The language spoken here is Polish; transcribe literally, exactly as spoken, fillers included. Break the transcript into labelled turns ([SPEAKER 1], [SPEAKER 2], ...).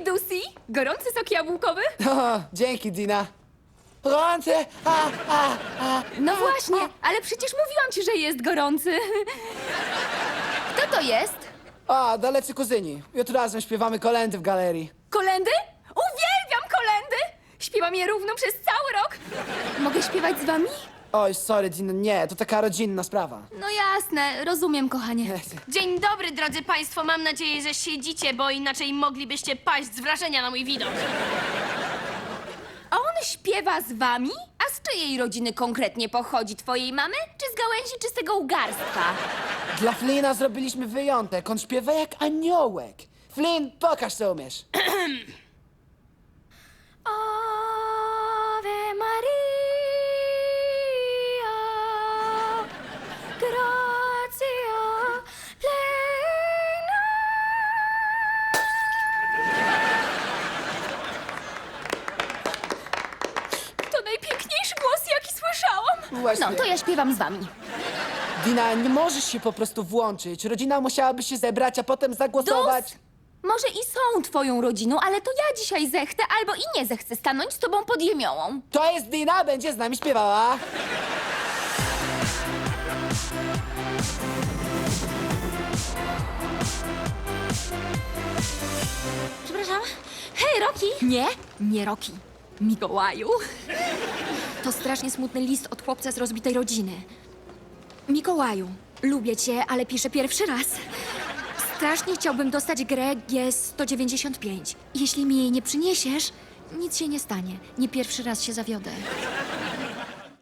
[SPEAKER 1] Hej, Dusi! Gorący sok jabłkowy?
[SPEAKER 2] O, dzięki, Dina. Gorące! A, a, a.
[SPEAKER 1] No właśnie, ale przecież mówiłam ci, że jest gorący. Kto to jest?
[SPEAKER 2] A, dalecy kuzyni. Jutro razem śpiewamy kolędy w galerii.
[SPEAKER 1] Kolendy? Uwielbiam kolendy! Śpiewam je równo przez cały rok. Mogę śpiewać z wami?
[SPEAKER 2] Oj, sorry, Dina, nie, to taka rodzinna sprawa.
[SPEAKER 1] No jasne, rozumiem, kochanie.
[SPEAKER 3] Dzień dobry, drodzy państwo. Mam nadzieję, że siedzicie, bo inaczej moglibyście paść z wrażenia na mój widok.
[SPEAKER 1] A on śpiewa z wami? A z czyjej rodziny konkretnie pochodzi? Twojej mamy? Czy z gałęzi czystego ugarstwa?
[SPEAKER 2] Dla Flina zrobiliśmy wyjątek. On śpiewa jak aniołek. Flynn, pokaż, co umiesz.
[SPEAKER 1] Ave Maria, gratia plena. To najpiękniejszy głos, jaki słyszałam.
[SPEAKER 2] Właśnie.
[SPEAKER 1] No, to ja śpiewam z wami.
[SPEAKER 2] Dina, nie możesz się po prostu włączyć. Rodzina musiałaby się zebrać, a potem zagłosować.
[SPEAKER 1] Dus, może i są twoją rodziną, ale to ja dzisiaj zechcę albo i nie zechcę stanąć z tobą pod jemiołą.
[SPEAKER 2] To jest Dina, będzie z nami śpiewała.
[SPEAKER 1] Przepraszam. Hej, Roki! Nie, nie Roki. Mikołaju. To strasznie smutny list od chłopca z rozbitej rodziny. Mikołaju, lubię cię, ale piszę pierwszy raz. Strasznie chciałbym dostać grę G sto dziewięćdziesiąt pięć. Jeśli mi jej nie przyniesiesz, nic się nie stanie. Nie pierwszy raz się zawiodę.